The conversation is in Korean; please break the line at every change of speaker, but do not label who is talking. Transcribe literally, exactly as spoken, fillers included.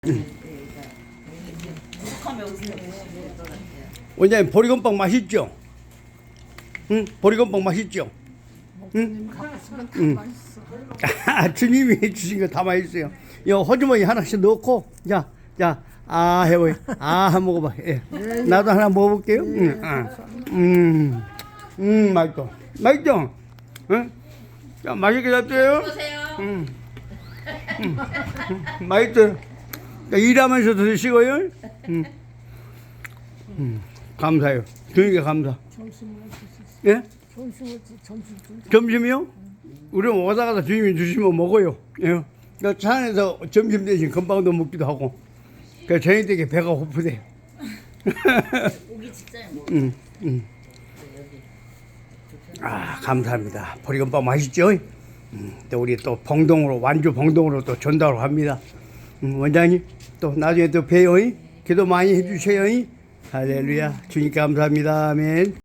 원장님 보리건빵 맛있죠? 응? 보리건빵 맛있죠? 응? 응. 아, 주님이 주신 거 다 맛있어요. 이 호주머니 하나씩 넣고, 자, 자, 아 해봐요. 아, 한번 먹어봐. 예. 나도 하나 먹어볼게요. 응, 아. 음, 음, 맛있어. 맛있죠? 응? 자, 맛있게 잡세요. 음, 음, 음, 맛있어요. 자, 일하면서 드시고요. 음, 음, 감사해요. 주님께 감사. 예? 점심이요? 우리 오다 가다 주님이 주시면 먹어요. 예. 그러니까 차 안에서 점심 대신 건빵도 먹기도 하고. 그 저희 댁에 배가 고프대요.
오기 직전에 뭐
음, 음. 아, 감사합니다. 보리건빵 맛있죠? 음, 또 우리 또 봉동으로, 완주 봉동으로 또 전달을 합니다. 음, 원장님, 또 나중에 또 봬요. 기도 많이 해주세요. 할렐루야. 주님께 감사합니다. 아멘.